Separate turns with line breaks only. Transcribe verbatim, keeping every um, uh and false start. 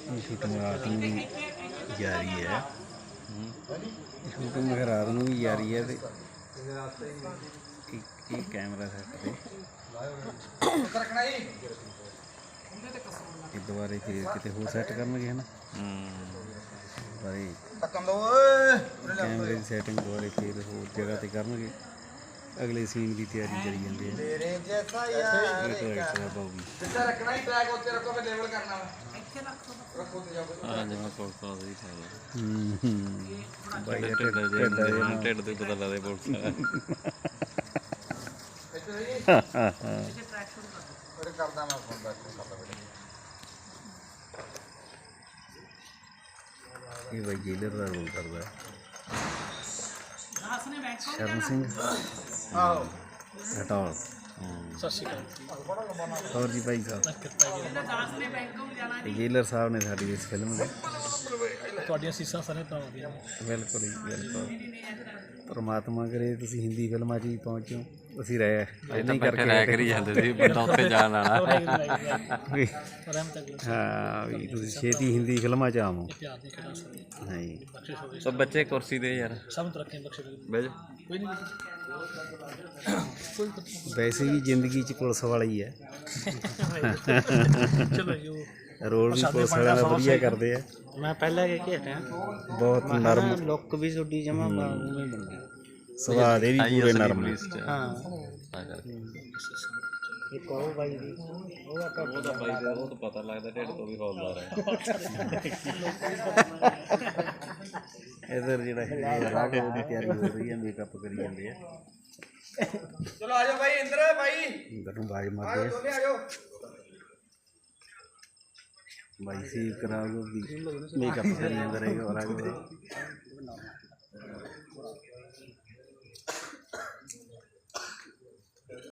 Shooting रात में भी जारी है। शूटिंग रात में भी जारी है। एक कैमरा सैट पे दोबारे फिर कितने होर सैट करनगे है ना। कैमरे की सैटिंग दोबारे फिर होर जगह ते करनगे। अगले सीन की तैयारी करी जाते हैं। ये भाई जेलर का रोल करता है शरण सिंह हटौल। और जी भाई साहब जेलर साहब ने साड़ी इस फिल्म में बिल्कुल ही बिल्कुल परमात्मा करे तुसीं हिंदी फिल्मां 'ਚ ही पहुँचो। ਅਸੀਂ ਰਹਿ ਨਹੀਂ ਕਰਕੇ ਰਹਿ ਕਰੀ ਜਾਂਦੇ ਸੀ ਬੰਦਾ ਉੱਥੇ ਜਾਣ ਵਾਲਾ। ਹਾਂ ਵੀ ਤੁਸੀਂ ਛੇਤੀ ਹਿੰਦੀ ਫਿਲਮਾਂ 'ਚ ਆਵੋ। ਹਾਂ ਜੀ ਸਭ ਬੱਚੇ ਕੁਰਸੀ ਦੇ ਯਾਰ ਸਭ ਤਰੱਕੀਆਂ ਬਖਸ਼ੇ ਬਹਿ ਜਾ ਕੋਈ ਨਹੀਂ। ਵੈਸੇ ਵੀ ਜ਼ਿੰਦਗੀ 'ਚ ਪੁਲਿਸ ਵਾਲਾ ਹੀ ਹੈ। ਰੋਲ ਵੀ ਪੁਲਿਸ ਵਾਲਿਆਂ ਦਾ ਵਧੀਆ ਕਰਦੇ ਆ। ਮੈਂ ਪਹਿਲਾਂ ਕਹਿ ਕੇ ਹਟਿਆ ਬਹੁਤ ਨਰਮ ਲੁੱਕ ਵੀ ਤੁਹਾਡੀ ਜਮਾ ਉਵੇਂ ਬਣ ਗਈ। ਸੁਭਾਅ ਦੇ ਵੀ ਪੂਰੇ ਨਰਮ ਨੇ। ਹਾਂ ਇੱਕ ਉਹ ਬਾਈ ਦੀ ਉਹ ਆਪਾਂ ਉਹਦਾ ਬਾਈ ਦਾ ਉਹ ਤਾਂ ਪਤਾ ਲੱਗਦਾ ਢਿੱਡ ਤੋਂ ਵੀ ਹੌਲਦਾਰ ਹੈ। ਇਧਰ ਜਿਹੜਾ ਰਾਘਵ ਦੀ ਤਿਆਰੀ ਹੋ ਰਹੀ ਹੈ ਮੇਕਅਪ ਕਰੀ ਜਾਂਦੇ ਆ। ਚਲੋ ਆ ਜਾਓ ਬਾਈ ਇੰਦਰ ਬਾਈ ਇੰਦਰ ਨੂੰ ਬਾਈ ਮਾਰਦੇ ਆ ਜਾਓ ਬਾਈ ਸੀ ਕਰਾਓ ਵੀ ਮੇਕਅਪ ਕਰੀ ਜਾਂਦਾ ਰਹੇਗਾ ਰਾਘਵ।